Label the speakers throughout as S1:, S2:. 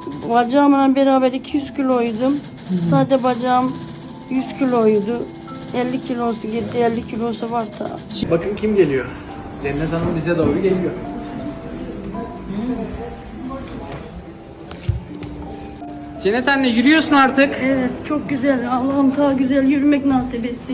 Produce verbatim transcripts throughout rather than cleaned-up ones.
S1: Bacağımla beraber iki yüz kiloydum. Sadece bacağım yüz kiloydu. elli kilosu gitti, elli kilosu var da.
S2: Bakın kim geliyor. Cennet Hanım bize doğru geliyor. Cennet anne yürüyorsun artık.
S1: Evet, çok güzel. Allah'ım daha güzel yürümek nasip etsin.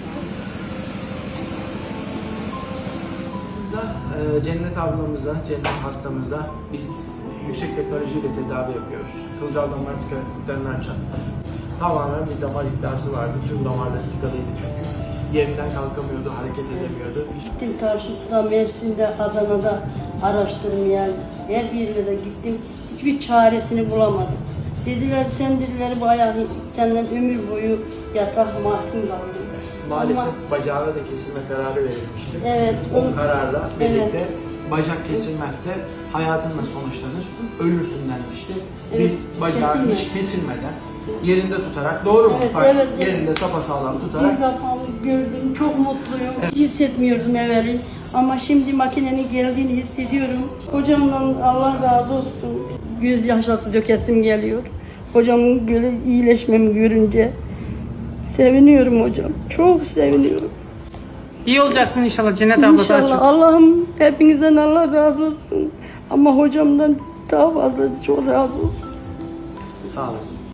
S2: Cennet ablamıza, Cennet hastamıza biz yüksek teknolojiyle tedavi yapıyoruz. Kılcal damar tıkanıklıklarını açan. Tamamen bir damar iflası vardı. Tüm damarları tıkalıydı çünkü. Yerinden kalkamıyordu, hareket edemiyordu.
S1: Gittim Tarsus'ta, Mersin'de, Adana'da araştırmaya, her yerlere gittim. Hiçbir çaresini bulamadım. Dediler sen dediler bu ayağı senden ömür boyu yatak mahkum kaldı.
S2: Maalesef
S1: Ama,
S2: bacağına da kesilme kararı verilmişti.
S1: evet.
S2: O kararla birlikte
S1: Evet.
S2: bacak kesilmezse hayatınla sonuçlanır, ölürsün denmişti.
S1: Evet,
S2: Biz bacağı
S1: kesinlikle.
S2: hiç kesilmeden yerinde tutarak, doğru mu?
S1: Evet,
S2: Bak,
S1: evet, evet.
S2: yerinde sapasağlam tutarak.
S1: Biz kafamı gördüm, çok mutluyum. Hiç hissetmiyordum evveli. Ama şimdi makinenin geldiğini hissediyorum. Hocamdan Allah razı olsun. Göz yaşası dökesim geliyor. Hocamın böyle iyileşmemi görünce seviniyorum hocam. Çok seviniyorum.
S3: İyi olacaksın inşallah Cennet abla. daha
S1: İnşallah.
S3: çok.
S1: Allah'ım hepinizden Allah razı olsun. Ama hocamdan daha fazla çok razı olsun.
S2: Sağ olasın.